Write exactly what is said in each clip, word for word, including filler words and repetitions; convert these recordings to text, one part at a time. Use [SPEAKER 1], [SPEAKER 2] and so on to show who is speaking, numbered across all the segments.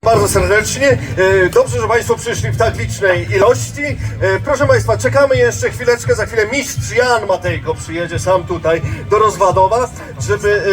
[SPEAKER 1] Bardzo serdecznie. Dobrze, że Państwo przyszli w tak licznej ilości. Proszę Państwa, czekamy jeszcze chwileczkę. Za chwilę mistrz Jan Matejko przyjedzie sam tutaj do Rozwadowa, żeby,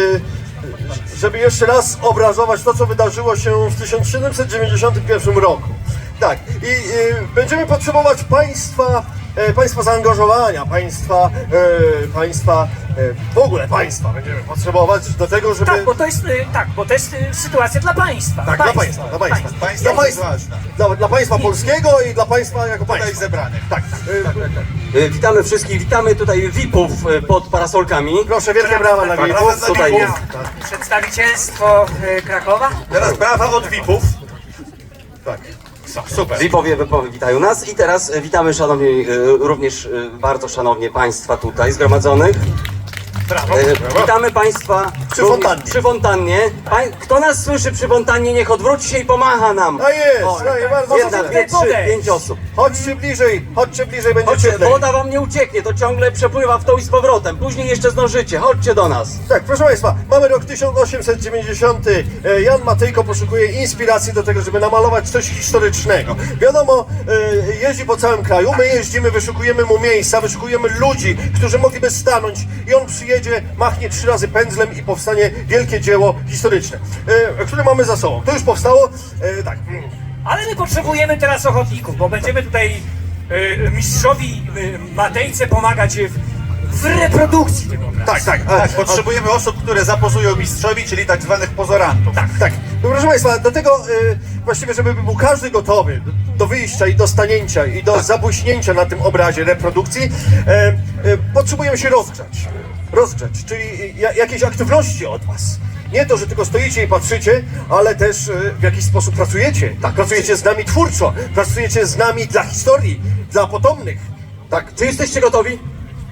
[SPEAKER 1] żeby jeszcze raz obrazować to, co wydarzyło się w tysiąc siedemset dziewięćdziesiątym pierwszym roku. Tak, i będziemy potrzebować Państwa, Państwa zaangażowania, Państwa, Państwa, w ogóle Państwa będziemy potrzebować do tego, żeby...
[SPEAKER 2] Tak, bo to jest, tak, bo to jest sytuacja dla Państwa.
[SPEAKER 1] Tak,
[SPEAKER 2] państwa,
[SPEAKER 1] dla Państwa, dla Państwa.
[SPEAKER 2] państwa.
[SPEAKER 1] Państwa, dla, państwa dla, dla Państwa polskiego i dla Państwa jako państwa zebranych. Tak, tak, tak, tak, tak.
[SPEAKER 3] E, Witamy wszystkich, witamy tutaj V I P-ów e, pod parasolkami.
[SPEAKER 1] Proszę, wielkie brawa dla V I P-ów.
[SPEAKER 3] Tutaj jest.
[SPEAKER 2] Przedstawicielstwo y, Krakowa.
[SPEAKER 1] Teraz brawa od V I P-ów. Tak, super.
[SPEAKER 3] V I P-owie wypo- witają nas i teraz e, witamy szanowni, e, również e, bardzo szanownie Państwa tutaj zgromadzonych.
[SPEAKER 1] Brawo,
[SPEAKER 3] E,
[SPEAKER 1] brawo.
[SPEAKER 3] Witamy Państwa
[SPEAKER 1] Przy
[SPEAKER 3] również
[SPEAKER 1] fontannie.
[SPEAKER 3] Przy fontannie. Pań, kto nas słyszy przy fontannie, niech odwróci się i pomacha nam.
[SPEAKER 1] A jest, no i bardzo
[SPEAKER 3] Jedna,
[SPEAKER 1] super.
[SPEAKER 3] dwie, trzy,
[SPEAKER 2] podejść.
[SPEAKER 3] pięć osób.
[SPEAKER 1] Chodźcie bliżej, chodźcie bliżej, będzie
[SPEAKER 3] Chodźcie,
[SPEAKER 1] cieplej.
[SPEAKER 3] woda wam nie ucieknie, to ciągle przepływa w tą i z powrotem. Później jeszcze zdążycie, chodźcie do nas.
[SPEAKER 1] Tak, proszę Państwa, mamy rok tysiąc osiemset dziewięćdziesiąty. E, Jan Matejko poszukuje inspiracji do tego, żeby namalować coś historycznego. Wiadomo, e, jeździ po całym kraju, my jeździmy, wyszukujemy mu miejsca, wyszukujemy ludzi, którzy mogliby stanąć i on przyjedzie, machnie trzy razy pędzlem i powstanie wielkie dzieło historyczne, e, które mamy za sobą. To już powstało, e, tak.
[SPEAKER 2] Ale my potrzebujemy teraz ochotników, bo będziemy tutaj y, mistrzowi y, Matejce pomagać w, w reprodukcji tego obrazu.
[SPEAKER 1] Tak, tak,
[SPEAKER 4] Tak, potrzebujemy osób, które zapozują mistrzowi, czyli tak zwanych pozorantów.
[SPEAKER 1] Tak, tak. No, proszę Państwa, do tego y, właściwie, żeby był każdy gotowy do, do wyjścia i do stanięcia i do zabłyśnięcia na tym obrazie reprodukcji, e, e, potrzebujemy się rozgrzać. Rozgrzać, czyli ja, jakiejś aktywności od Was. Nie to, że tylko stoicie i patrzycie, ale też e, w jakiś sposób pracujecie. Tak, pracujecie z nami twórczo, pracujecie z nami dla historii, dla potomnych.
[SPEAKER 3] Tak, czy jesteście gotowi?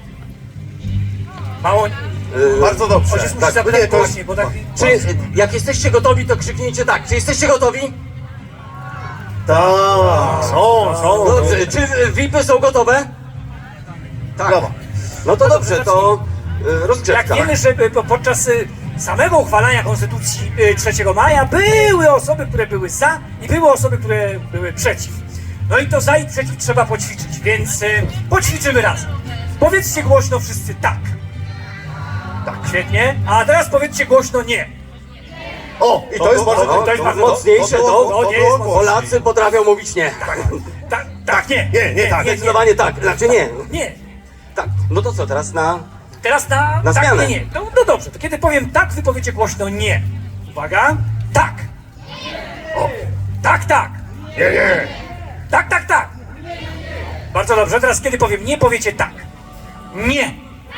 [SPEAKER 2] Mało...
[SPEAKER 3] E,
[SPEAKER 4] Bardzo dobrze.
[SPEAKER 2] Ojciec musi
[SPEAKER 1] tak,
[SPEAKER 2] zapytać
[SPEAKER 1] nie, to jest-
[SPEAKER 2] głośniej, bo tak...
[SPEAKER 3] Czy jak jesteście gotowi, to krzyknijcie tak. Czy jesteście gotowi?
[SPEAKER 1] Tak, są, są.
[SPEAKER 3] Dobrze, czy V I P-y są gotowe? Tak.
[SPEAKER 1] Brawo.
[SPEAKER 3] No to dobrze, to e,
[SPEAKER 2] Jak
[SPEAKER 3] rozgrzewka.
[SPEAKER 2] wiemy, że y, po- podczas y, samego uchwalania Konstytucji y, trzeciego maja były osoby, które były za i były osoby, które były przeciw. No i to za i przeciw trzeba poćwiczyć, więc y, poćwiczymy razem. Powiedzcie głośno wszyscy tak. Tak, świetnie. A teraz powiedzcie głośno nie.
[SPEAKER 1] O, i to jest bardzo...
[SPEAKER 3] No,
[SPEAKER 2] to jest bardzo
[SPEAKER 3] mocniejsze,
[SPEAKER 1] to
[SPEAKER 3] to,
[SPEAKER 1] było-
[SPEAKER 2] to nie jest
[SPEAKER 3] Polacy potrafią mówić nie.
[SPEAKER 2] Tak, tak, nie.
[SPEAKER 1] Nie, nie, tak.
[SPEAKER 3] Zdecydowanie tak, znaczy nie.
[SPEAKER 2] Nie.
[SPEAKER 3] Tak, no to co, teraz na...
[SPEAKER 2] Teraz na,
[SPEAKER 3] Na
[SPEAKER 2] tak,
[SPEAKER 3] zmianę.
[SPEAKER 2] nie, nie. No, no dobrze, to kiedy powiem tak, wy powiecie głośno nie. Uwaga. Tak. O. Tak, tak.
[SPEAKER 1] Nie, nie.
[SPEAKER 2] Tak, tak, tak. Bardzo dobrze, teraz kiedy powiem nie, powiecie tak. Nie.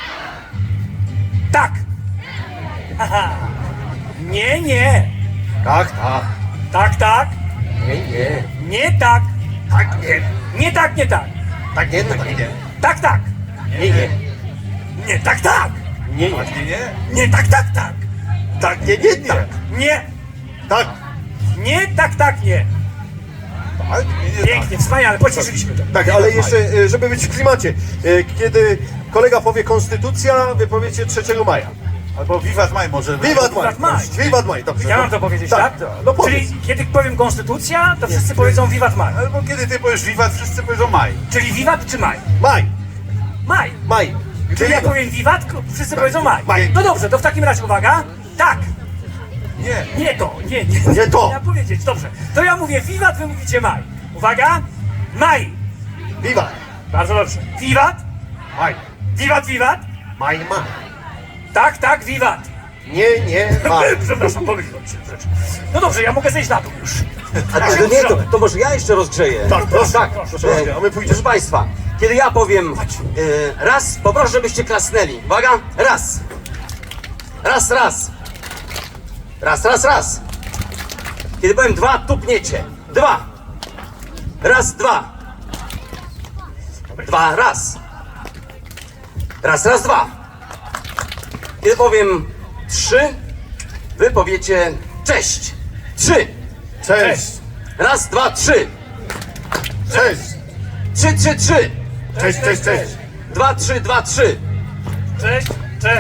[SPEAKER 2] Tak. Haha. Nie, nie.
[SPEAKER 1] Tak, tak.
[SPEAKER 2] Tak, tak.
[SPEAKER 1] Nie, nie.
[SPEAKER 2] Nie tak.
[SPEAKER 1] Tak, nie.
[SPEAKER 2] Nie tak, nie tak.
[SPEAKER 1] Tak, nie, tak, nie.
[SPEAKER 2] Tak, tak.
[SPEAKER 1] Nie, nie.
[SPEAKER 2] Nie tak, tak.
[SPEAKER 1] Nie, nie.
[SPEAKER 4] Nie, nie?
[SPEAKER 2] Nie tak, tak, tak.
[SPEAKER 1] Tak, nie, nie, nie.
[SPEAKER 2] Nie.
[SPEAKER 1] Tak.
[SPEAKER 2] Nie tak, tak, nie.
[SPEAKER 4] Tak, nie, nie,
[SPEAKER 2] Pięknie, wspaniale, poćwiczyliśmy to.
[SPEAKER 1] Tak, ale jeszcze, e, żeby być w klimacie, e, kiedy kolega powie konstytucja, wy powiecie trzeciego maja.
[SPEAKER 4] Albo Wiwat Maj może.
[SPEAKER 1] Wiwat maj.
[SPEAKER 2] Wiwat maj.
[SPEAKER 1] Wiwat maj, dobrze.
[SPEAKER 2] Ja
[SPEAKER 1] no.
[SPEAKER 2] mam to powiedzieć, tak?
[SPEAKER 1] No powiedz.
[SPEAKER 2] Czyli kiedy powiem konstytucja, to wszyscy powiedzą wiwat maj.
[SPEAKER 4] Albo kiedy ty powiesz Wiwat, wszyscy powiedzą Maj.
[SPEAKER 2] Czyli wiwat czy maj?
[SPEAKER 1] Maj,
[SPEAKER 2] Maj.
[SPEAKER 1] maj.
[SPEAKER 2] Czyli ja powiem wiwat, wszyscy powiedzą maj.
[SPEAKER 1] Maj.
[SPEAKER 2] No dobrze, to w takim razie uwaga. Tak.
[SPEAKER 4] Nie.
[SPEAKER 2] Nie to, nie, nie.
[SPEAKER 1] Nie to.
[SPEAKER 2] Ja powiedzieć, dobrze. To ja mówię wiwat, wy mówicie maj. Uwaga. Maj.
[SPEAKER 1] Wiwat.
[SPEAKER 2] Bardzo dobrze. Wiwat.
[SPEAKER 1] Maj.
[SPEAKER 2] Wiwat, wiwat.
[SPEAKER 1] Maj, maj.
[SPEAKER 2] Tak, tak, wiwat.
[SPEAKER 1] Nie, nie, maj.
[SPEAKER 2] Przepraszam, pomyliłem się rzecz. No dobrze, ja mogę zejść na dół już.
[SPEAKER 3] A to, nie, to, to może ja jeszcze rozgrzeję.
[SPEAKER 1] Tak, proszę,
[SPEAKER 3] tak.
[SPEAKER 1] proszę,
[SPEAKER 3] E,
[SPEAKER 1] a my pójdziemy.
[SPEAKER 3] Proszę Państwa, kiedy ja powiem e, raz, poproszę, żebyście klasnęli. Uwaga, raz. Raz, raz. Raz, raz, raz. Kiedy powiem dwa, tupniecie. Dwa. Raz, dwa. Dwa, raz. Raz, raz, dwa. Kiedy powiem trzy, wy powiecie cześć. Trzy.
[SPEAKER 1] Cześć.
[SPEAKER 3] Raz, dwa, trzy.
[SPEAKER 1] Cześć.
[SPEAKER 3] Trzy, trzy, trzy.
[SPEAKER 1] Cześć, cześć, cześć.
[SPEAKER 3] Dwa, trzy, dwa, trzy.
[SPEAKER 2] Cześć, cześć.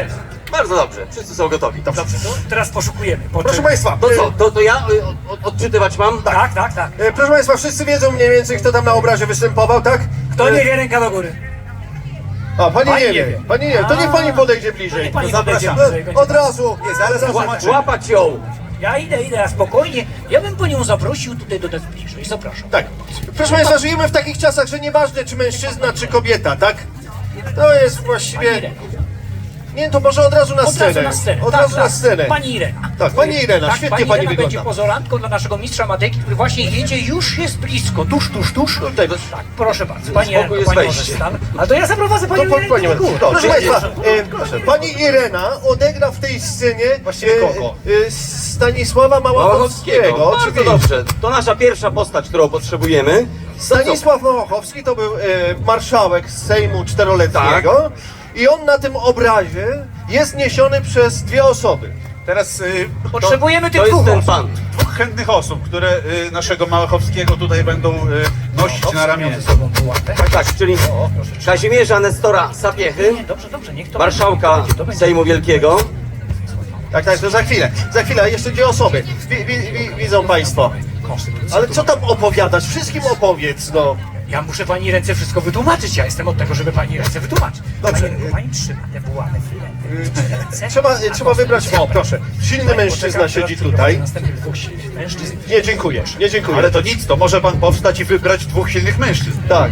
[SPEAKER 3] Bardzo dobrze, wszyscy są gotowi.
[SPEAKER 2] Dobrze, to teraz poszukujemy. Po
[SPEAKER 1] Proszę
[SPEAKER 2] czym-
[SPEAKER 1] Państwa,
[SPEAKER 3] To
[SPEAKER 1] e,
[SPEAKER 3] co, to, to ja y, od, odczytywać mam?
[SPEAKER 2] Tak, tak, tak.
[SPEAKER 1] e, proszę Państwa, wszyscy wiedzą mniej więcej, kto tam na obrazie występował, tak?
[SPEAKER 2] Kto
[SPEAKER 1] E,
[SPEAKER 2] nie wie, ręka do góry.
[SPEAKER 1] A, pani,
[SPEAKER 2] Pani
[SPEAKER 1] nie
[SPEAKER 2] nie
[SPEAKER 1] wie.
[SPEAKER 2] wie.
[SPEAKER 1] Pani nie wie. To niech pani podejdzie bliżej.
[SPEAKER 2] Niech pani
[SPEAKER 1] To
[SPEAKER 2] podejdzie
[SPEAKER 1] zapraszam.
[SPEAKER 2] bliżej,
[SPEAKER 1] E, Od razu.
[SPEAKER 4] Nie, zaraz
[SPEAKER 3] Ła,
[SPEAKER 4] zobaczymy.
[SPEAKER 3] łapać ją!
[SPEAKER 2] Ja idę, idę, a spokojnie. Ja bym panią zaprosił tutaj do nas bliżej. Zapraszam.
[SPEAKER 1] Tak. Proszę Państwa, żyjemy w takich czasach, że nieważne czy mężczyzna, czy kobieta, tak? To jest
[SPEAKER 2] Pani
[SPEAKER 1] właściwie...
[SPEAKER 2] Irena.
[SPEAKER 1] Nie, to może od razu na
[SPEAKER 2] Od
[SPEAKER 1] scenę.
[SPEAKER 2] razu na scenę.
[SPEAKER 1] Od
[SPEAKER 2] tak,
[SPEAKER 1] razu
[SPEAKER 2] tak.
[SPEAKER 1] na scenę.
[SPEAKER 2] Pani Irena.
[SPEAKER 1] Tak, pani Irena,
[SPEAKER 2] tak,
[SPEAKER 1] świetnie
[SPEAKER 2] pani
[SPEAKER 1] pani
[SPEAKER 2] Irena
[SPEAKER 1] wygląda.
[SPEAKER 2] będzie pozorantką dla naszego mistrza Matejki, który właśnie jedzie, już jest blisko, tuż, tuż, tuż.
[SPEAKER 1] Tutaj, to-
[SPEAKER 2] Tak, proszę bardzo. Pani
[SPEAKER 3] Spokój,
[SPEAKER 2] Irena,
[SPEAKER 3] jest
[SPEAKER 2] pani
[SPEAKER 3] wejście.
[SPEAKER 2] może stan. A to ja zaprowadzę
[SPEAKER 1] To
[SPEAKER 2] panią
[SPEAKER 1] po-
[SPEAKER 2] Irenę
[SPEAKER 1] pani
[SPEAKER 2] do góry.
[SPEAKER 1] Proszę Państwa,
[SPEAKER 2] Proszę.
[SPEAKER 1] e, pani Irena odegra w tej scenie
[SPEAKER 4] Właściwie kogo?
[SPEAKER 1] e, e, Stanisława Małachowskiego.
[SPEAKER 3] Bardzo
[SPEAKER 1] Oczywiście.
[SPEAKER 3] dobrze, to nasza pierwsza postać, którą potrzebujemy.
[SPEAKER 1] Stanisław Małachowski to był e, marszałek z Sejmu czteroletniego i on na tym obrazie jest niesiony przez dwie osoby.
[SPEAKER 4] Teraz y,
[SPEAKER 2] Potrzebujemy tych
[SPEAKER 3] To jest
[SPEAKER 2] dwóch
[SPEAKER 3] ten
[SPEAKER 2] osób.
[SPEAKER 3] pan.
[SPEAKER 4] dwóch chętnych osób, które y, naszego Małachowskiego tutaj będą y, nosić na ramieniu.
[SPEAKER 2] Ze sobą wyłapę.
[SPEAKER 3] Tak, tak, czyli Kazimierza Nestora Sapiechy,
[SPEAKER 2] Nie, dobrze, dobrze, niech to
[SPEAKER 3] marszałka
[SPEAKER 2] będzie, to będzie.
[SPEAKER 3] Sejmu Wielkiego.
[SPEAKER 1] Tak, tak, to za chwilę. Za chwilę, jeszcze dwie osoby. Wi, wi, wi, widzą Państwo. Ale co tam opowiadać? Wszystkim opowiedz, no.
[SPEAKER 2] Ja muszę pani ręce wszystko wytłumaczyć. Ja jestem od tego, żeby pani ręce wytłumaczyć.
[SPEAKER 1] Dobrze.
[SPEAKER 2] Pani, pani trzyma te bułane w ręce.
[SPEAKER 1] Trzeba, trzeba wybrać, o proszę, silny mężczyzna siedzi tutaj.
[SPEAKER 2] Następnie dwóch silnych mężczyzn.
[SPEAKER 1] Nie, dziękuję, nie dziękuję.
[SPEAKER 4] Ale to nic, to może pan powstać i wybrać dwóch silnych mężczyzn.
[SPEAKER 1] Tak.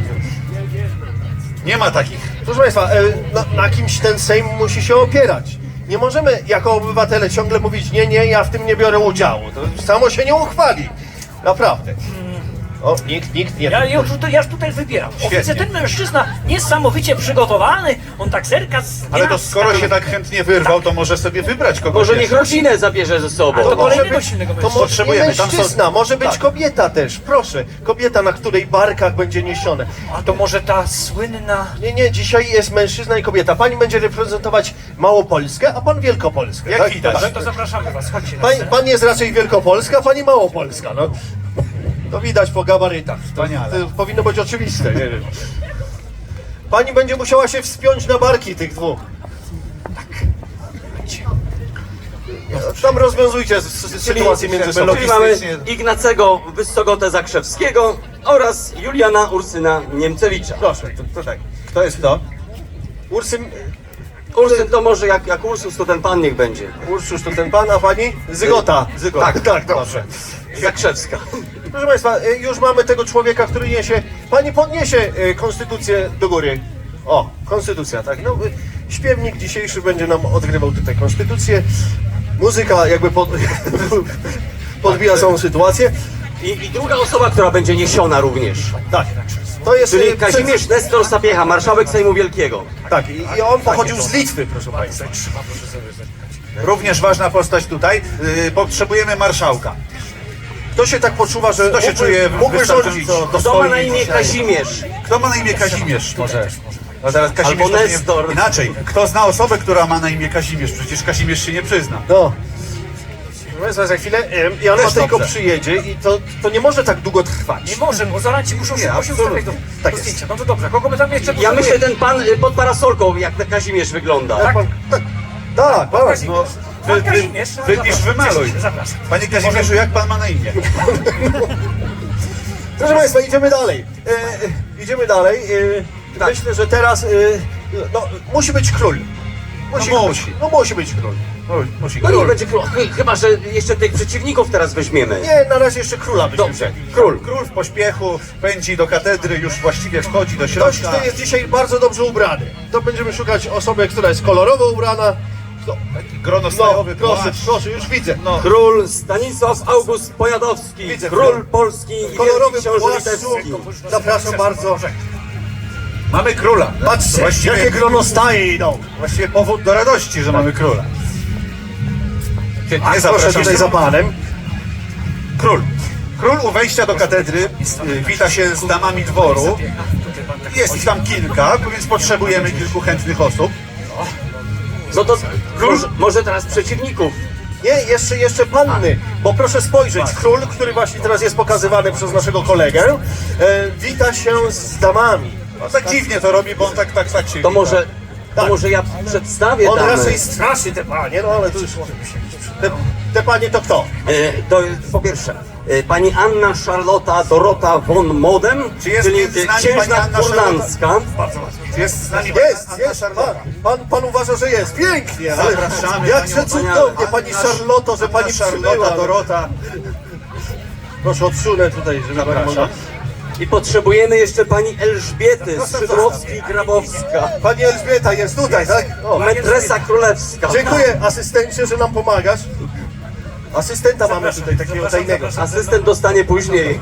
[SPEAKER 4] Nie ma takich.
[SPEAKER 1] Proszę Państwa, e, na, na kimś ten Sejm musi się opierać. Nie możemy jako obywatele ciągle mówić, nie, nie, ja w tym nie biorę udziału. To samo się nie uchwali. Naprawdę. O, nikt, nikt nie...
[SPEAKER 2] Ja już tutaj, ja już tutaj wybieram. O,
[SPEAKER 4] Świetnie.
[SPEAKER 2] widzę, ten mężczyzna niesamowicie przygotowany. On tak zerka z
[SPEAKER 4] Ale to
[SPEAKER 2] miasta.
[SPEAKER 4] skoro się tak chętnie wyrwał, to może sobie wybrać kogoś.
[SPEAKER 3] Może niech
[SPEAKER 4] jeszcze.
[SPEAKER 3] rodzinę zabierze ze sobą.
[SPEAKER 2] A to
[SPEAKER 1] To może
[SPEAKER 2] kolejnego
[SPEAKER 1] być,
[SPEAKER 2] silnego
[SPEAKER 1] to
[SPEAKER 2] mężczyznę.
[SPEAKER 1] może nie
[SPEAKER 4] Potrzebujemy, tam są-
[SPEAKER 1] mężczyzna, może być
[SPEAKER 4] tak.
[SPEAKER 1] kobieta też, proszę. Kobieta, na której barkach będzie niesione.
[SPEAKER 2] A to może ta słynna...
[SPEAKER 1] Nie, nie, dzisiaj jest mężczyzna i kobieta. Pani będzie reprezentować Małopolskę, a pan Wielkopolskę.
[SPEAKER 4] Jak
[SPEAKER 1] tak?
[SPEAKER 4] widać.
[SPEAKER 1] Tak.
[SPEAKER 2] To zapraszamy was, chodźcie na
[SPEAKER 1] Pan,
[SPEAKER 2] scenę.
[SPEAKER 1] pan jest raczej Wielkopolska, a pani Małopolska, no. To widać po gabarytach. To,
[SPEAKER 4] Wspaniale.
[SPEAKER 1] to powinno być oczywiste, nie wiem. Pani będzie musiała się wspiąć na barki tych dwóch. No, tam rozwiązujcie s- s- sytuację między sobą.
[SPEAKER 3] Czyli mamy Ignacego Wyssogotę Zakrzewskiego oraz Juliana Ursyna Niemcewicza.
[SPEAKER 1] Proszę, to, to tak.
[SPEAKER 4] Kto jest to?
[SPEAKER 1] Ursyn,
[SPEAKER 3] Ursyn to może jak, jak Ursus, to ten pan niech będzie.
[SPEAKER 1] Ursus to ten pan, a pani? Zygota.
[SPEAKER 4] Zygota.
[SPEAKER 1] Tak, tak, dobrze.
[SPEAKER 3] Zakrzewska.
[SPEAKER 1] Proszę Państwa, y, już mamy tego człowieka, który niesie. Pani podniesie y, konstytucję do góry. O, konstytucja, tak. No, y, śpiewnik dzisiejszy będzie nam odgrywał tutaj konstytucję. Muzyka jakby pod, podbija całą sytuację.
[SPEAKER 3] I, I druga osoba, która będzie niesiona również.
[SPEAKER 1] Tak. To jest. y,
[SPEAKER 3] Czyli Kazimierz Nestor Sapiecha, marszałek Sejmu Wielkiego.
[SPEAKER 1] Tak, i, i on pochodził z Litwy, proszę Państwa.
[SPEAKER 4] Również ważna postać tutaj. Y, potrzebujemy marszałka.
[SPEAKER 1] Kto się tak poczuwa, że
[SPEAKER 4] Kto się
[SPEAKER 1] mógłby,
[SPEAKER 4] czuje
[SPEAKER 1] mógłby rządzić?
[SPEAKER 4] wystarczająco
[SPEAKER 3] Kto ma na imię
[SPEAKER 4] dostojny?
[SPEAKER 3] Kazimierz?
[SPEAKER 4] Kto ma na imię Kazimierz? Może. No teraz Kazimierz
[SPEAKER 3] Albo
[SPEAKER 4] to się nie-
[SPEAKER 3] Nestor.
[SPEAKER 4] Inaczej. Kto zna osobę, która ma na imię Kazimierz? Przecież Kazimierz się nie przyzna.
[SPEAKER 1] No. Proszę Państwa, za chwilę em, Jan
[SPEAKER 4] Też
[SPEAKER 1] Matejko
[SPEAKER 4] dobrze.
[SPEAKER 1] przyjedzie i to, to nie może tak długo trwać.
[SPEAKER 2] Nie może, bo zaraz ci muszą
[SPEAKER 4] Nie,
[SPEAKER 2] się
[SPEAKER 4] absolutnie.
[SPEAKER 2] ustawiać do,
[SPEAKER 1] Tak
[SPEAKER 2] do
[SPEAKER 1] jest.
[SPEAKER 2] zdjęcia. No to dobrze, kogo my tam jeszcze
[SPEAKER 3] Ja myślę,
[SPEAKER 2] potrzebujemy?
[SPEAKER 3] ten pan y, pod parasolką, jak ten Kazimierz wygląda.
[SPEAKER 1] Tak, pan, tak, tak, tak.
[SPEAKER 2] Kazimierz.
[SPEAKER 4] No,
[SPEAKER 2] Pan
[SPEAKER 4] wy, wy,
[SPEAKER 2] Kazimierz,
[SPEAKER 4] wypisz,
[SPEAKER 2] zapraszam,
[SPEAKER 4] wymaluj.
[SPEAKER 2] cieszę się, zapraszam.
[SPEAKER 4] Panie Kazimierzu, jak pan ma na imię?
[SPEAKER 1] Proszę Państwa, idziemy dalej. E, idziemy dalej. E,
[SPEAKER 3] Tak.
[SPEAKER 1] Myślę, że teraz e, no, musi być król. Musi,
[SPEAKER 4] No
[SPEAKER 1] być,
[SPEAKER 4] musi.
[SPEAKER 1] no musi być król.
[SPEAKER 4] Musi- Musi
[SPEAKER 3] No nie
[SPEAKER 4] król.
[SPEAKER 3] będzie król. Chy- Chyba, że jeszcze tych przeciwników teraz weźmiemy.
[SPEAKER 1] Nie, na razie jeszcze króla byśmy
[SPEAKER 3] Dobrze,
[SPEAKER 1] wzięli.
[SPEAKER 3] król.
[SPEAKER 4] Król w pośpiechu pędzi do katedry, już właściwie wchodzi do
[SPEAKER 1] Ktoś,
[SPEAKER 4] środka.
[SPEAKER 1] kto jest dzisiaj bardzo dobrze ubrany. To będziemy szukać osoby, która jest kolorowo ubrana. Kto,
[SPEAKER 4] Grono
[SPEAKER 1] no,
[SPEAKER 4] stajowy,
[SPEAKER 1] proszę,
[SPEAKER 4] płaszcz.
[SPEAKER 1] proszę, już widzę.
[SPEAKER 4] No.
[SPEAKER 3] Król Stanisław August Poniatowski,
[SPEAKER 1] Widzę,
[SPEAKER 3] król
[SPEAKER 1] król.
[SPEAKER 3] Polski i
[SPEAKER 1] Kolorowy
[SPEAKER 3] wielki książę
[SPEAKER 1] płaszczu.
[SPEAKER 3] litewski.
[SPEAKER 1] Zapraszam bardzo.
[SPEAKER 4] Mamy króla.
[SPEAKER 1] Patrzcie,
[SPEAKER 4] właściwie,
[SPEAKER 1] jakie gronostaje idą.
[SPEAKER 4] właściwie powód do radości, że mamy króla. Świetnie,
[SPEAKER 1] Proszę
[SPEAKER 4] zapraszam.
[SPEAKER 1] tutaj za panem.
[SPEAKER 4] Król. Król u wejścia do katedry y, wita się z damami dworu. Jest ich tam kilka, więc potrzebujemy kilku chętnych osób.
[SPEAKER 3] No to może, może teraz przeciwników.
[SPEAKER 1] Nie, jeszcze, jeszcze panny, bo proszę spojrzeć, król, który właśnie teraz jest pokazywany przez naszego kolegę, e, wita się z damami.
[SPEAKER 4] No tak dziwnie to robi, bo on tak, tak, tak się
[SPEAKER 3] To
[SPEAKER 4] wita.
[SPEAKER 3] może To
[SPEAKER 1] Tak.
[SPEAKER 3] może ja przedstawię
[SPEAKER 1] On
[SPEAKER 3] damy.
[SPEAKER 1] raczej straszy te panie, no ale tu już... Te, te panie to kto?
[SPEAKER 3] E, to jest po pierwsze, e, pani Anna Charlotta Dorota von Modem,
[SPEAKER 4] Czy jest
[SPEAKER 3] czyli
[SPEAKER 4] między nami
[SPEAKER 3] księżna
[SPEAKER 4] pani Anna
[SPEAKER 3] kurlandzka.
[SPEAKER 4] Czy jest z nami
[SPEAKER 1] Jest,
[SPEAKER 4] Anna
[SPEAKER 1] jest,
[SPEAKER 4] Charlotta?
[SPEAKER 1] pan, pan, pan uważa, że jest. Pięknie, ale
[SPEAKER 4] Zapraszamy
[SPEAKER 1] jakże
[SPEAKER 4] panią
[SPEAKER 1] cudownie, pani
[SPEAKER 4] Anna-
[SPEAKER 1] Charloto, że pani
[SPEAKER 4] Anna Charlotta,
[SPEAKER 1] przybyła.
[SPEAKER 4] Dorota.
[SPEAKER 1] Proszę odsunę tutaj, żeby pani mogła...
[SPEAKER 4] Zapraszam.
[SPEAKER 3] I potrzebujemy jeszcze pani Elżbiety Skrzydłowski-Grabowska,
[SPEAKER 1] Pani Elżbieta jest tutaj, tak? O,
[SPEAKER 3] metresa królewska.
[SPEAKER 1] dziękuję asystencie, że nam pomagasz. Asystenta mamy tutaj, takiego tajnego.
[SPEAKER 3] Asystent dostanie później.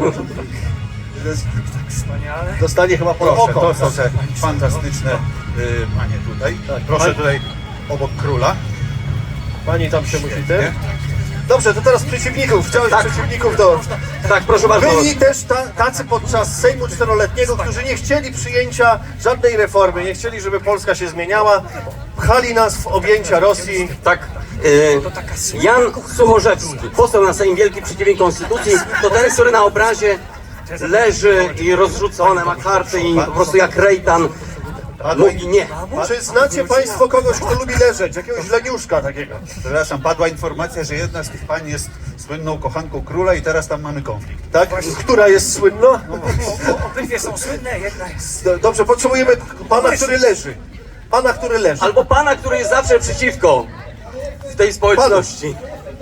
[SPEAKER 2] Wspaniale.
[SPEAKER 1] Dostanie chyba po
[SPEAKER 4] Proszę,
[SPEAKER 1] oko.
[SPEAKER 4] to są te fantastyczne y, panie tutaj. Proszę
[SPEAKER 1] Pani-
[SPEAKER 4] tutaj obok króla.
[SPEAKER 1] Pani tam się musi ty. Dobrze, to teraz przeciwników. Chciałeś
[SPEAKER 3] Tak.
[SPEAKER 1] przeciwników do...
[SPEAKER 3] Tak, proszę bardzo.
[SPEAKER 1] Byli też ta, tacy podczas Sejmu Czteroletniego, którzy nie chcieli przyjęcia żadnej reformy, nie chcieli, żeby Polska się zmieniała. Pchali nas w objęcia Rosji.
[SPEAKER 3] Tak. E, Jan Suchorzewski, poseł na Sejm Wielki przeciwnik Konstytucji, to ten, który na obrazie leży i rozrzucone ma karty i po prostu jak rejtan mówi nie.
[SPEAKER 1] Czy znacie Państwo kogoś, kto lubi leżeć? Jakiegoś leniuszka takiego?
[SPEAKER 4] Przepraszam, padła informacja, że jedna z tych pań jest słynną kochanką króla i teraz tam mamy konflikt.
[SPEAKER 1] Tak? Która jest słynna?
[SPEAKER 2] Obydwie są słynne, jedna jest...
[SPEAKER 1] Do- Dobrze, potrzebujemy pana, który leży. Pana, który leży.
[SPEAKER 3] Albo pana, który jest zawsze przeciwko w tej społeczności.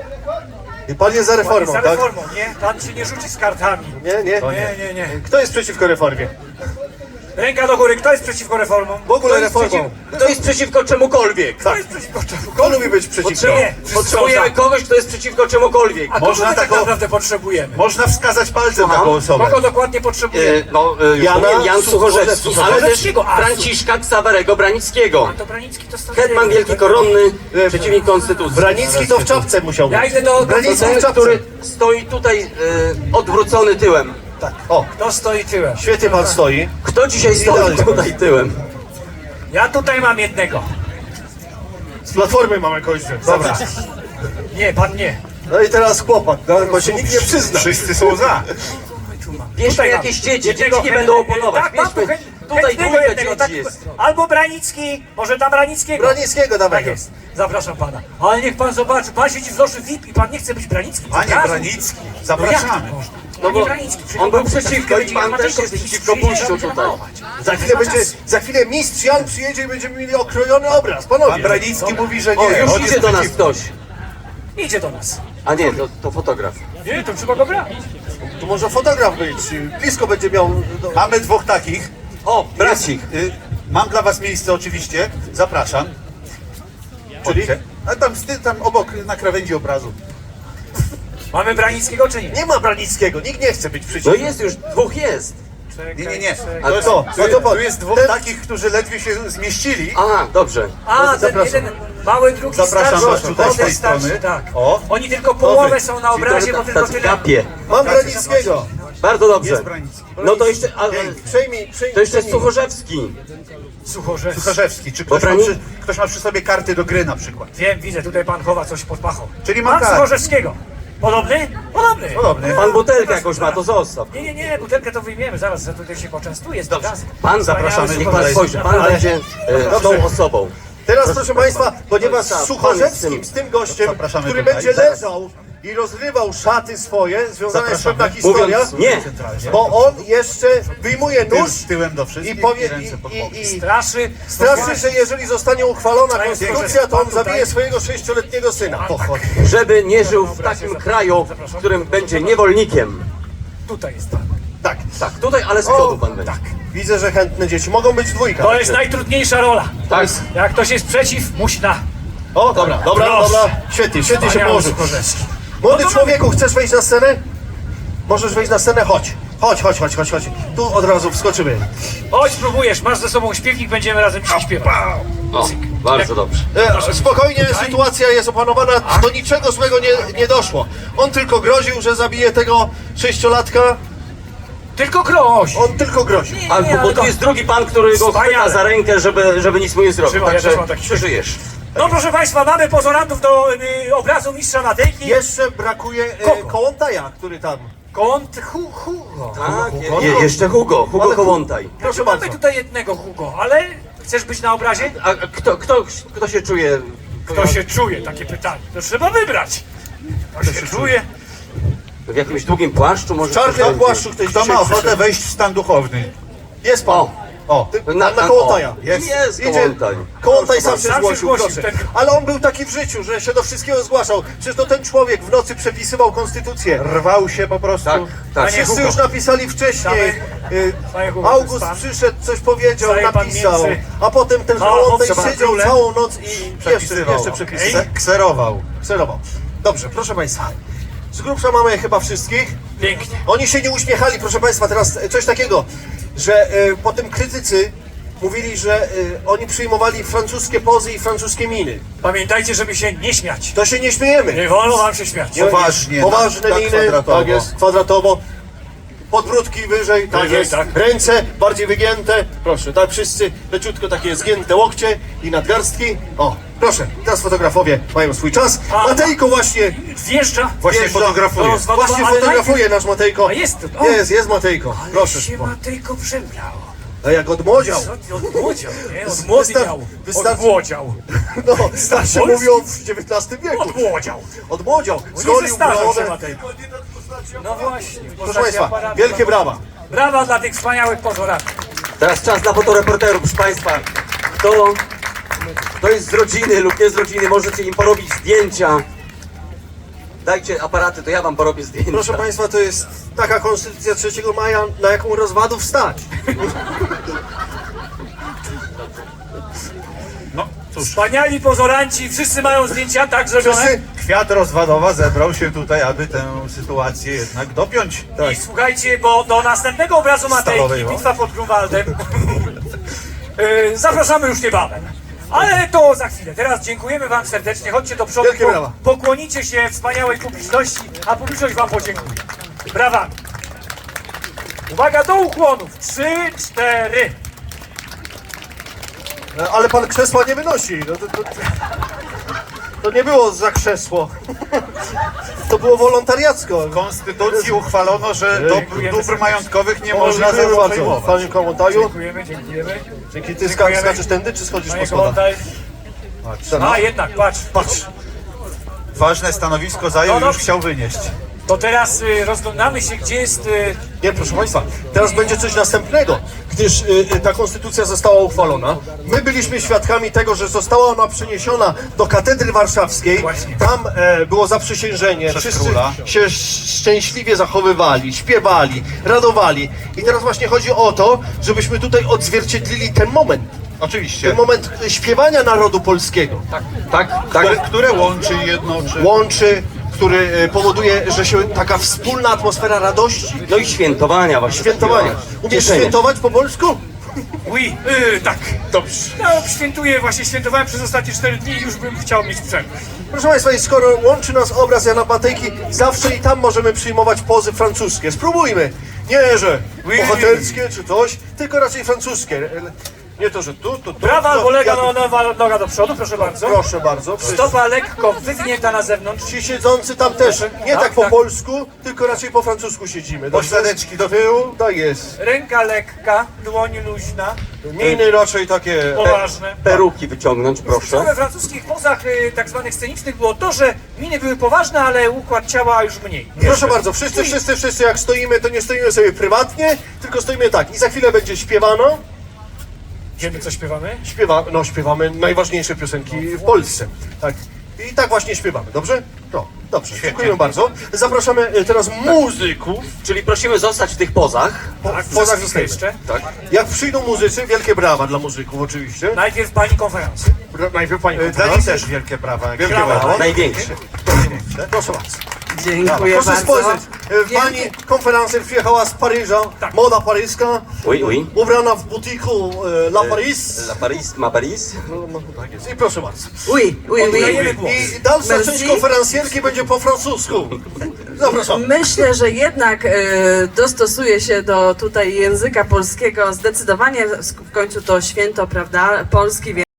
[SPEAKER 1] I pan jest za reformą,
[SPEAKER 2] Za
[SPEAKER 1] tak?
[SPEAKER 2] reformą, nie? Pan się nie rzuci z kartami.
[SPEAKER 1] Nie, nie.
[SPEAKER 2] Nie, nie, nie.
[SPEAKER 1] Kto jest przeciwko reformie?
[SPEAKER 2] Ręka do góry, kto jest przeciwko reformom?
[SPEAKER 1] W ogóle
[SPEAKER 3] Kto jest,
[SPEAKER 1] reformą.
[SPEAKER 3] przeciw, kto jest przeciwko czemukolwiek?
[SPEAKER 2] Kto jest przeciwko czemu?
[SPEAKER 1] Kto lubi być przeciwko?
[SPEAKER 2] Nie,
[SPEAKER 3] Potrzebujemy kogoś, kto jest przeciwko czemukolwiek.
[SPEAKER 2] A kogo
[SPEAKER 4] Można
[SPEAKER 2] my tak
[SPEAKER 4] taką-
[SPEAKER 2] naprawdę potrzebujemy?
[SPEAKER 4] Można wskazać palcem
[SPEAKER 3] Słucham?
[SPEAKER 4] taką osobę.
[SPEAKER 2] Kogo dokładnie potrzebujemy?
[SPEAKER 3] E, no, e, już
[SPEAKER 1] Jana
[SPEAKER 3] mówiłem, Jan Suchorzewski, ale też
[SPEAKER 2] Suchorzewskiego, a,
[SPEAKER 3] Franciszka Ksawerego Branickiego.
[SPEAKER 2] To Branicki to stary...
[SPEAKER 3] Hetman Wielki Koronny, przeciwnik Konstytucji.
[SPEAKER 1] Branicki to w czapce musiał być.
[SPEAKER 2] Ja idę do...
[SPEAKER 3] To
[SPEAKER 1] Branicki
[SPEAKER 3] ten,
[SPEAKER 1] w czapce.
[SPEAKER 3] który stoi tutaj e, odwrócony tyłem.
[SPEAKER 1] Tak. O,
[SPEAKER 2] Kto stoi tyłem?
[SPEAKER 1] świetnie pan stoi.
[SPEAKER 3] Kto dzisiaj stoi
[SPEAKER 1] Idealnie.
[SPEAKER 3] tutaj tyłem?
[SPEAKER 2] Ja tutaj mam jednego.
[SPEAKER 1] Z platformy mamy kończę. Dobra.
[SPEAKER 2] Nie, pan nie.
[SPEAKER 1] No i teraz chłopak, no, bo się nikt nie przyzna.
[SPEAKER 4] Wszyscy są za.
[SPEAKER 3] Bierzmy
[SPEAKER 2] Tutaj mam.
[SPEAKER 3] jakieś dzieci,
[SPEAKER 2] Jednego
[SPEAKER 3] dzieci nie
[SPEAKER 2] chę-
[SPEAKER 3] będą oponować.
[SPEAKER 2] Tak, mam tu
[SPEAKER 3] Bierzmy,
[SPEAKER 2] chę-
[SPEAKER 3] tutaj
[SPEAKER 2] chętnego
[SPEAKER 3] dwójka
[SPEAKER 2] jednego,
[SPEAKER 3] dzieci
[SPEAKER 2] tak.
[SPEAKER 3] jest.
[SPEAKER 2] Albo Branicki, może tam Branickiego.
[SPEAKER 1] Branickiego dawaj.
[SPEAKER 2] Tak jest. Zapraszam pana. Ale niech pan zobaczy, pan siedzi w loży V I P i pan nie chce być Branickim.
[SPEAKER 4] Panie
[SPEAKER 2] Zapraszam.
[SPEAKER 4] Branicki,
[SPEAKER 2] No jak
[SPEAKER 4] zapraszamy.
[SPEAKER 2] to można?
[SPEAKER 3] No
[SPEAKER 2] Panie
[SPEAKER 3] bo
[SPEAKER 2] Branicki, przecież
[SPEAKER 3] on był
[SPEAKER 2] pan
[SPEAKER 3] przeciwko i pan też jest przeciwko pójściu tutaj.
[SPEAKER 1] Za chwilę będzie, za chwilę mistrz Jan przyjedzie i będziemy mieli okrojony obraz. Panowie.
[SPEAKER 4] Pan Branicki mówi, że nie.
[SPEAKER 3] O, już
[SPEAKER 4] on
[SPEAKER 3] idzie
[SPEAKER 4] jest
[SPEAKER 3] do nas
[SPEAKER 4] przeciwko.
[SPEAKER 3] ktoś.
[SPEAKER 2] Idzie do nas.
[SPEAKER 3] A nie, to, to fotograf.
[SPEAKER 2] Nie, to trzeba go brać.
[SPEAKER 1] Tu może fotograf być. Blisko będzie miał... Do...
[SPEAKER 4] Mamy dwóch takich.
[SPEAKER 3] O, bracik.
[SPEAKER 4] Y, mam dla was miejsce oczywiście. Zapraszam.
[SPEAKER 1] Czyli?
[SPEAKER 4] Chodźcie. A tam, z ty- tam obok na krawędzi obrazu.
[SPEAKER 2] Mamy Branickiego czy nie?
[SPEAKER 1] Nie ma Branickiego, nikt nie chce być
[SPEAKER 3] No
[SPEAKER 1] przeciwko.
[SPEAKER 3] jest już, dwóch jest.
[SPEAKER 4] Nie, nie, nie.
[SPEAKER 3] A
[SPEAKER 4] To jest,
[SPEAKER 3] co?
[SPEAKER 4] tu,
[SPEAKER 1] No to po-
[SPEAKER 4] tu jest dwóch
[SPEAKER 1] ten-
[SPEAKER 4] takich, którzy ledwie się zmieścili.
[SPEAKER 3] Aha, dobrze.
[SPEAKER 2] A, ten
[SPEAKER 1] zapraszam.
[SPEAKER 2] jeden mały, drugi
[SPEAKER 4] Zapraszam
[SPEAKER 2] starszy.
[SPEAKER 4] was tutaj z
[SPEAKER 2] młody,
[SPEAKER 4] tej
[SPEAKER 2] starszy,
[SPEAKER 4] strony.
[SPEAKER 2] tak.
[SPEAKER 4] O.
[SPEAKER 2] Oni tylko połowę
[SPEAKER 4] Dobry.
[SPEAKER 2] są na obrazie, bo tylko
[SPEAKER 3] Tacy
[SPEAKER 2] tyle.
[SPEAKER 3] kapie.
[SPEAKER 1] Mam Branickiego.
[SPEAKER 3] Bardzo dobrze.
[SPEAKER 4] Jest Branicki.
[SPEAKER 3] No to jeszcze, a,
[SPEAKER 1] Przejmij, przejmij.
[SPEAKER 3] to jeszcze jest
[SPEAKER 1] przejmij.
[SPEAKER 3] Suchorzewski.
[SPEAKER 2] Suchorzewski.
[SPEAKER 4] Sucharzewski. Czy ktoś ma,
[SPEAKER 3] Brani-
[SPEAKER 4] przy, ktoś ma przy sobie karty do gry na przykład?
[SPEAKER 2] Wiem, widzę, tutaj pan chowa coś pod pachą.
[SPEAKER 4] Czyli ma
[SPEAKER 2] Pan
[SPEAKER 4] kartę.
[SPEAKER 2] Suchorzewskiego. Podobny? Podobny.
[SPEAKER 4] Podobny.
[SPEAKER 3] Pan butelkę jakąś ma, to zostaw.
[SPEAKER 2] Nie, nie, nie, butelkę to wyjmiemy, zaraz za tutaj się poczęstuje.
[SPEAKER 3] Dobrze.
[SPEAKER 2] Dobrze.
[SPEAKER 3] Pan zapraszamy, niech pan spojrzy. Pan
[SPEAKER 1] Ale-
[SPEAKER 3] będzie e, tą osobą.
[SPEAKER 1] Teraz proszę Państwa, ponieważ
[SPEAKER 3] Pan
[SPEAKER 1] z
[SPEAKER 3] jest
[SPEAKER 1] Suchorzewskim,
[SPEAKER 3] tym.
[SPEAKER 1] z tym gościem,
[SPEAKER 4] Zapraszamy
[SPEAKER 1] który
[SPEAKER 4] tutaj.
[SPEAKER 1] będzie
[SPEAKER 4] Zaraz.
[SPEAKER 1] leżał i rozrywał szaty swoje, związana jest
[SPEAKER 4] Zapraszamy.
[SPEAKER 1] pewna historia,
[SPEAKER 3] Mówiąc nie.
[SPEAKER 1] bo on jeszcze wyjmuje
[SPEAKER 4] Tył,
[SPEAKER 1] nóż
[SPEAKER 4] tyłem do
[SPEAKER 1] i
[SPEAKER 4] wszystkich
[SPEAKER 1] powie,
[SPEAKER 4] i ręce pod
[SPEAKER 1] i,
[SPEAKER 4] boki.
[SPEAKER 1] i, i
[SPEAKER 2] Straszy.
[SPEAKER 1] straszy, że jeżeli zostanie uchwalona
[SPEAKER 2] Panie
[SPEAKER 1] konstytucja, to on
[SPEAKER 2] Suchorzewski,
[SPEAKER 1] zabije swojego sześcioletniego syna. Pochodzi.
[SPEAKER 3] Żeby nie żył w takim kraju, w którym będzie niewolnikiem.
[SPEAKER 2] Tutaj jest pan.
[SPEAKER 1] Tak.
[SPEAKER 3] Tak, tutaj, ale z
[SPEAKER 1] O,
[SPEAKER 3] przodu pan będzie.
[SPEAKER 1] tak. Widzę, że chętne dzieci. Mogą być dwójka.
[SPEAKER 2] To jest najtrudniejsza rola.
[SPEAKER 3] Tak.
[SPEAKER 2] Jak ktoś jest przeciw, musi na.
[SPEAKER 1] O, dobra, dobra,
[SPEAKER 2] Proszę.
[SPEAKER 1] dobra. Świetnie, świetnie się
[SPEAKER 2] Wspaniały
[SPEAKER 1] położył.
[SPEAKER 2] Suchorzewski.
[SPEAKER 1] Młody człowieku, chcesz wejść na scenę? Możesz wejść na scenę? Chodź. Chodź, chodź, chodź, chodź, chodź. Tu od razu wskoczymy.
[SPEAKER 2] Chodź, spróbujesz, masz ze sobą śpiewnik, będziemy razem dzisiaj śpiewać.
[SPEAKER 3] O, bardzo dobrze.
[SPEAKER 1] E, spokojnie, sytuacja jest opanowana, do niczego złego nie, nie doszło. On tylko groził, że zabije tego sześciolatka.
[SPEAKER 2] Tylko groź.
[SPEAKER 1] On tylko groził.
[SPEAKER 2] Nie,
[SPEAKER 3] Ale,
[SPEAKER 2] nie,
[SPEAKER 3] bo
[SPEAKER 2] ale
[SPEAKER 3] tu
[SPEAKER 2] to-
[SPEAKER 3] jest drugi pan, który go chwyta
[SPEAKER 2] Wspaniale.
[SPEAKER 3] za rękę, żeby, żeby nic mu nie zrobił.
[SPEAKER 2] Trzymaj, ja
[SPEAKER 3] Także
[SPEAKER 2] też mam taki
[SPEAKER 3] przeżyjesz.
[SPEAKER 2] No proszę Państwa, mamy pozorantów do y, obrazu mistrza Matejki.
[SPEAKER 1] Jeszcze brakuje e,
[SPEAKER 2] Kogo?
[SPEAKER 1] Kołątaja, który tam.
[SPEAKER 2] Kąt Hu Hugo.
[SPEAKER 3] Tak,
[SPEAKER 1] Hugo?
[SPEAKER 3] je, jeszcze Hugo, Hugo
[SPEAKER 1] Ale-
[SPEAKER 3] Kołątaj.
[SPEAKER 1] Proszę
[SPEAKER 2] Mamy
[SPEAKER 1] bardzo.
[SPEAKER 2] tutaj jednego Hugo, ale Chcesz być na obrazie?
[SPEAKER 3] A a kto, kto, kto się czuje?
[SPEAKER 2] Kto się czuje? Takie pytanie. To trzeba wybrać. Kto się czuje?
[SPEAKER 3] W jakimś długim płaszczu może?
[SPEAKER 1] W czarnym
[SPEAKER 3] ktoś-
[SPEAKER 1] płaszczu ktoś
[SPEAKER 4] Kto
[SPEAKER 1] dzisiaj
[SPEAKER 4] ma ochotę
[SPEAKER 1] przyszedł.
[SPEAKER 4] wejść w stan duchowny?
[SPEAKER 1] Jest pan.
[SPEAKER 3] O.
[SPEAKER 4] O,
[SPEAKER 1] Ty,
[SPEAKER 3] Na-
[SPEAKER 1] na, na
[SPEAKER 3] na-
[SPEAKER 1] Kołątaja.
[SPEAKER 3] o, jest- jest Kołątaj.
[SPEAKER 1] Kołątaj sam się
[SPEAKER 2] Sam się
[SPEAKER 1] zgłosił,
[SPEAKER 2] zgłosił,
[SPEAKER 1] proszę.
[SPEAKER 2] ten-
[SPEAKER 1] Ale on był taki w życiu, że się do wszystkiego zgłaszał. Przecież to ten człowiek w nocy przepisywał konstytucję.
[SPEAKER 4] rwał się po prostu.
[SPEAKER 3] Tak, tak.
[SPEAKER 2] Panie
[SPEAKER 1] Wszyscy
[SPEAKER 2] Hugo.
[SPEAKER 1] już napisali wcześniej. Y,
[SPEAKER 2] Panie Hugo, to jest
[SPEAKER 1] August
[SPEAKER 2] pan.
[SPEAKER 1] przyszedł, coś powiedział,
[SPEAKER 2] Staje pan
[SPEAKER 1] napisał.
[SPEAKER 2] między
[SPEAKER 1] A potem ten
[SPEAKER 2] małą
[SPEAKER 1] Kołątaj
[SPEAKER 2] owcą a
[SPEAKER 1] siedział
[SPEAKER 2] królem.
[SPEAKER 1] całą noc i jeszcze,
[SPEAKER 4] Przepisywał.
[SPEAKER 1] jeszcze przepisywał.
[SPEAKER 4] Kse- Kserował.
[SPEAKER 1] Kserował. Dobrze, proszę państwa. Z grubsza mamy chyba wszystkich.
[SPEAKER 2] Pięknie.
[SPEAKER 1] Oni się nie uśmiechali, proszę państwa, teraz coś takiego, że e, potem krytycy mówili, że e, oni przyjmowali francuskie pozy i francuskie miny.
[SPEAKER 2] Pamiętajcie, żeby się nie śmiać.
[SPEAKER 1] To się nie śmiejemy.
[SPEAKER 2] Nie wolno wam się śmiać.
[SPEAKER 1] Nie-
[SPEAKER 4] Poważnie,
[SPEAKER 1] Poważne
[SPEAKER 4] tak
[SPEAKER 1] miny,
[SPEAKER 4] kwadratowo.
[SPEAKER 1] tak jest, kwadratowo. Podbródki wyżej, tak
[SPEAKER 2] Wyżej,
[SPEAKER 1] jest.
[SPEAKER 2] tak.
[SPEAKER 1] Ręce bardziej wygięte, proszę, tak wszyscy, leciutko takie zgięte łokcie i nadgarstki. O, proszę, teraz fotografowie mają swój czas.
[SPEAKER 2] A-
[SPEAKER 1] Matejko właśnie,
[SPEAKER 2] Wjeżdża.
[SPEAKER 4] Właśnie
[SPEAKER 1] Wjeżdża.
[SPEAKER 4] fotografuje.
[SPEAKER 2] Roz-
[SPEAKER 1] właśnie
[SPEAKER 2] ale
[SPEAKER 1] fotografuje nasz Matejko.
[SPEAKER 2] A jest tu, o.
[SPEAKER 1] Jest, jest Matejko,
[SPEAKER 2] Ale
[SPEAKER 1] proszę.
[SPEAKER 2] się Matejko przebrał.
[SPEAKER 1] A jak odmłodział.
[SPEAKER 2] Co ty odmłodział, nie? Odmłodział.
[SPEAKER 1] Wystar-
[SPEAKER 2] Odmłodział.
[SPEAKER 1] No, tak się
[SPEAKER 2] Polski?
[SPEAKER 1] mówiło w dziewiętnastym wieku.
[SPEAKER 2] Odmłodział.
[SPEAKER 1] Odmłodział,
[SPEAKER 2] No nie
[SPEAKER 1] zgolił
[SPEAKER 2] zestarzał się
[SPEAKER 1] brodę.
[SPEAKER 2] Matejko. No właśnie.
[SPEAKER 1] Proszę Państwa, wielkie brawa.
[SPEAKER 2] Brawa dla tych wspaniałych pozoraków.
[SPEAKER 3] Teraz czas dla fotoreporterów, proszę Państwa. Kto, kto jest z rodziny lub nie z rodziny, możecie im porobić zdjęcia. Dajcie aparaty, to ja wam porobię zdjęcia.
[SPEAKER 1] Proszę Państwa, to jest taka konstytucja trzeciego maja, na jaką rozwadów stać.
[SPEAKER 4] No cóż,
[SPEAKER 2] Wspaniali pozoranci, wszyscy mają zdjęcia tak zrobione.
[SPEAKER 1] Wszyscy?
[SPEAKER 4] kwiat rozwadowa zebrał się tutaj, aby tę sytuację jednak dopiąć.
[SPEAKER 2] I słuchajcie, bo do następnego obrazu Matejki,
[SPEAKER 4] Stalowej, o.
[SPEAKER 2] Bitwa pod Grunwaldem, yy, zapraszamy już niebawem. Ale to za chwilę. Teraz dziękujemy wam serdecznie. Chodźcie do przodu,
[SPEAKER 1] Wielkie brawa.
[SPEAKER 2] pokłonicie się wspaniałej publiczności, a publiczność wam podziękuje. Brawa. Uwaga do ukłonów. Trzy, cztery.
[SPEAKER 1] No, ale pan krzesła nie wynosi. No, to, to, to nie było za krzesło. To było wolontariacko.
[SPEAKER 4] W Konstytucji uchwalono, że dóbr,
[SPEAKER 2] Dziękujemy
[SPEAKER 4] dóbr
[SPEAKER 2] serdecznie.
[SPEAKER 4] majątkowych nie
[SPEAKER 1] O,
[SPEAKER 4] można
[SPEAKER 1] dziękuję bardzo.
[SPEAKER 4] przejmować.
[SPEAKER 1] Panie Kołątaju,
[SPEAKER 2] Dziękujemy, dziękujemy.
[SPEAKER 1] dzięki ty ska-
[SPEAKER 2] Dziękujemy.
[SPEAKER 1] skaczesz tędy, czy schodzisz po
[SPEAKER 2] Panie
[SPEAKER 1] schodach?
[SPEAKER 2] Kołątaj.
[SPEAKER 1] Ten-
[SPEAKER 2] A jednak, patrz.
[SPEAKER 1] Patrz.
[SPEAKER 4] Ważne stanowisko zajął
[SPEAKER 2] No,
[SPEAKER 4] i
[SPEAKER 2] no.
[SPEAKER 4] już chciał wynieść.
[SPEAKER 2] To teraz y, rozglądamy się, gdzie jest... Y,
[SPEAKER 1] Nie, proszę Państwa, teraz będzie coś następnego, gdyż y, y, ta konstytucja została uchwalona. My byliśmy świadkami tego, że została ona przeniesiona do katedry warszawskiej.
[SPEAKER 2] Właśnie.
[SPEAKER 1] Tam e, było zaprzysiężenie.
[SPEAKER 4] Przez
[SPEAKER 1] Wszyscy
[SPEAKER 4] króla.
[SPEAKER 1] się sz- szczęśliwie zachowywali, śpiewali, radowali. I teraz właśnie chodzi o to, żebyśmy tutaj odzwierciedlili ten moment.
[SPEAKER 4] Oczywiście.
[SPEAKER 1] Ten moment y, śpiewania narodu polskiego.
[SPEAKER 3] Tak, tak, tak.
[SPEAKER 4] Które, które łączy i jednoczy.
[SPEAKER 1] Łączy, który y, powoduje, że się taka wspólna atmosfera radości,
[SPEAKER 3] No i świętowania właśnie.
[SPEAKER 1] świętowania.
[SPEAKER 3] takiego
[SPEAKER 1] Umiesz
[SPEAKER 3] cieszenia.
[SPEAKER 1] świętować po polsku?
[SPEAKER 2] Oui, y, tak, dobrze. No, świętuję, właśnie świętowałem przez ostatnie cztery dni i już bym chciał mieć przerwę.
[SPEAKER 1] Proszę Państwa, i skoro łączy nas obraz Jana Matejki, zawsze i tam możemy przyjmować pozy francuskie. Spróbujmy. Nie, że
[SPEAKER 2] Oui.
[SPEAKER 1] bohaterskie czy coś, tylko raczej francuskie. Nie to, że tu, tu, tu.
[SPEAKER 2] Prawa
[SPEAKER 1] to,
[SPEAKER 2] albo lewa
[SPEAKER 1] ja-
[SPEAKER 2] no, nowa noga do przodu, proszę bardzo.
[SPEAKER 1] Proszę bardzo.
[SPEAKER 2] Stopa lekko wywinięta na zewnątrz.
[SPEAKER 1] Ci siedzący tam też, nie
[SPEAKER 2] Tak,
[SPEAKER 1] tak po
[SPEAKER 2] tak.
[SPEAKER 1] polsku, tylko raczej po francusku siedzimy. Dobrze?
[SPEAKER 4] Pośladeczki
[SPEAKER 1] do tyłu, tak jest.
[SPEAKER 2] Ręka lekka, dłoń luźna,
[SPEAKER 1] Miny raczej takie...
[SPEAKER 2] poważne.
[SPEAKER 3] Peruki wyciągnąć, proszę.
[SPEAKER 2] We francuskich pozach y, tak zwanych scenicznych było to, że miny były poważne, ale układ ciała już mniej.
[SPEAKER 1] Proszę bardzo, wszyscy, wszyscy, wszyscy jak stoimy, to nie stoimy sobie prywatnie, tylko stoimy tak. I za chwilę będzie śpiewano.
[SPEAKER 2] Wiemy, co śpiewamy?
[SPEAKER 1] Śpiewa, no śpiewamy najważniejsze piosenki w Polsce. Tak. I tak właśnie śpiewamy, dobrze? No, dobrze, dziękujemy bardzo. Zapraszamy e, teraz muzyków.
[SPEAKER 3] Czyli prosimy zostać w tych pozach.
[SPEAKER 2] Tak,
[SPEAKER 1] w pozach
[SPEAKER 2] pozach
[SPEAKER 1] zostajemy.
[SPEAKER 2] jeszcze.
[SPEAKER 3] Tak.
[SPEAKER 1] Jak przyjdą muzycy, wielkie brawa dla muzyków oczywiście.
[SPEAKER 2] Najpierw pani konferencja.
[SPEAKER 1] Bra- Najpierw pani
[SPEAKER 4] Dla nich
[SPEAKER 1] konferencja.
[SPEAKER 4] też wielkie prawa. jak
[SPEAKER 1] Wielkie
[SPEAKER 4] się
[SPEAKER 1] brawa.
[SPEAKER 4] brawo.
[SPEAKER 3] Największe.
[SPEAKER 1] Proszę bardzo.
[SPEAKER 5] Dziękuję
[SPEAKER 1] Proszę
[SPEAKER 5] bardzo.
[SPEAKER 1] spojrzeć, e, pani konferencja przyjechała z Paryża,
[SPEAKER 2] Tak.
[SPEAKER 1] moda paryska,
[SPEAKER 3] Oui, oui.
[SPEAKER 1] ubrana w butiku e, La Paris.
[SPEAKER 3] La Paris, ma Paris.
[SPEAKER 1] No, no, tak jest. I proszę bardzo.
[SPEAKER 5] Oui, oui,
[SPEAKER 2] Oddajemy
[SPEAKER 5] oui.
[SPEAKER 2] głos.
[SPEAKER 1] I dalsza
[SPEAKER 5] Merci.
[SPEAKER 1] część konferencjerki będzie po francusku. Zapraszam.
[SPEAKER 5] Myślę, że jednak e, dostosuje się do tutaj języka polskiego zdecydowanie. W końcu to święto, prawda, polski.